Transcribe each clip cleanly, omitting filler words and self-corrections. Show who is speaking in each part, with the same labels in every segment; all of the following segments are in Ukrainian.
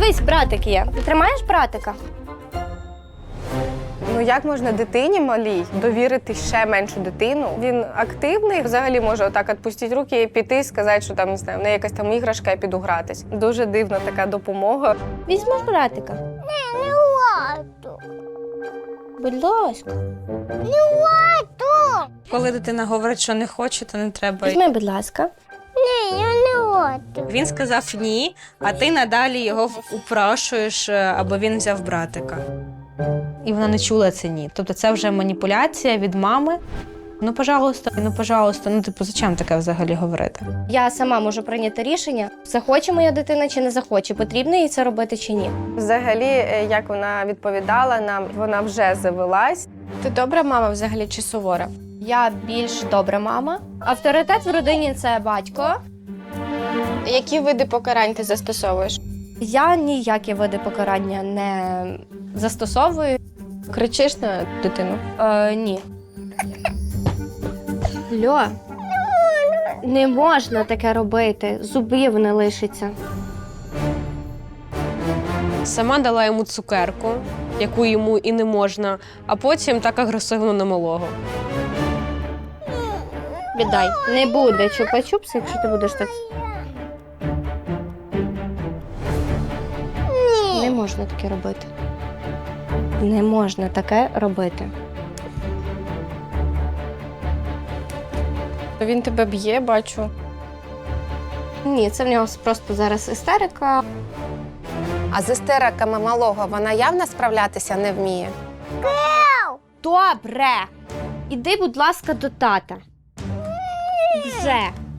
Speaker 1: Дивись, братик є. Ти тримаєш братика?
Speaker 2: Ну як можна дитині малій довірити ще меншу дитину? Він активний, взагалі може отак відпустити руки і піти, сказати, що там, не знаю, в неї якась там іграшка, я піду гратись. Дуже дивна така допомога.
Speaker 1: Візьмеш братика?
Speaker 3: Не лату.
Speaker 1: Будь ласка.
Speaker 3: Не лату.
Speaker 4: Коли дитина говорить, що не хоче, то не треба.
Speaker 1: Візьми, будь ласка.
Speaker 3: Ні, я не лату.
Speaker 4: Він сказав ні, а ти надалі його упрошуєш, аби він взяв братика. І вона не чула це ні. Тобто це вже маніпуляція від мами. Ну, пожалуйста, ну, типу, зачем таке взагалі говорити?
Speaker 1: Я сама можу прийняти рішення, захоче моя дитина чи не захоче, потрібно їй це робити чи ні.
Speaker 2: Взагалі, як вона відповідала нам, вона вже завелась.
Speaker 5: Ти добра мама взагалі чи сувора?
Speaker 1: Я більш добра мама. Авторитет в родині – це батько.
Speaker 5: Які види покарань ти застосовуєш?
Speaker 1: Я ніякі види покарання не застосовую.
Speaker 5: Кричиш на дитину?
Speaker 1: Ні. Льо, не можна таке робити, зубів не лишиться.
Speaker 6: Сама дала йому цукерку, яку йому і не можна, а потім так агресивно на малого.
Speaker 1: Віддай. Не буде чупа-чупс, якщо ти будеш так. Не можна таке робити. Не можна таке робити.
Speaker 5: Він тебе б'є, бачу.
Speaker 1: Ні, це в нього просто зараз істерика.
Speaker 7: А з істериками малого вона явно справлятися не вміє?
Speaker 1: Добре. Іди, будь ласка, до тата. Вже.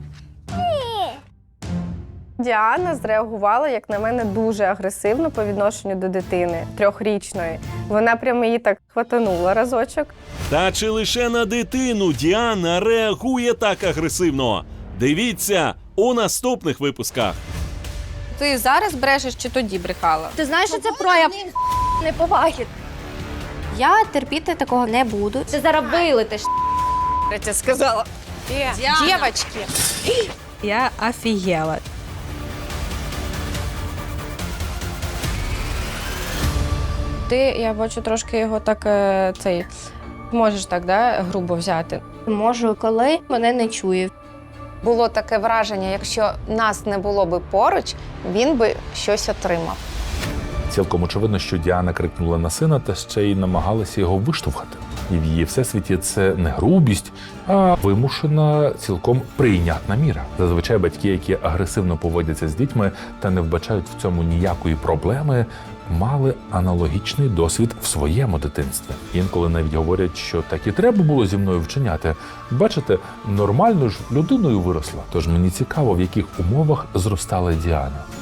Speaker 2: Діана зреагувала, як на мене, дуже агресивно по відношенню до дитини, 3-річної. Вона прямо її так хватанула разочок.
Speaker 8: Та чи лише на дитину Діана реагує так агресивно? Дивіться у наступних випусках.
Speaker 5: Ти зараз брешеш чи тоді брехала?
Speaker 1: Ти знаєш, що це прояв неповаги. Я терпіти такого не буду. Ти зараз вилетиш.
Speaker 5: Третя сказала. Дівочки.
Speaker 4: Я офігела.
Speaker 5: Ти, я бачу, трошки його так, можеш так, да, грубо взяти.
Speaker 1: Можу, коли мене не чує.
Speaker 7: Було таке враження, якщо нас не було би поруч, він би щось отримав.
Speaker 9: Цілком очевидно, що Діана крикнула на сина та ще й намагалася його виштовхати. І в її всесвіті це не грубість, а вимушена, цілком прийнятна міра. Зазвичай батьки, які агресивно поводяться з дітьми та не вбачають в цьому ніякої проблеми, мали аналогічний досвід в своєму дитинстві. Інколи навіть говорять, що так і треба було зі мною вчиняти. Бачите, нормально ж людиною виросла. Тож мені цікаво, в яких умовах зростала Діана.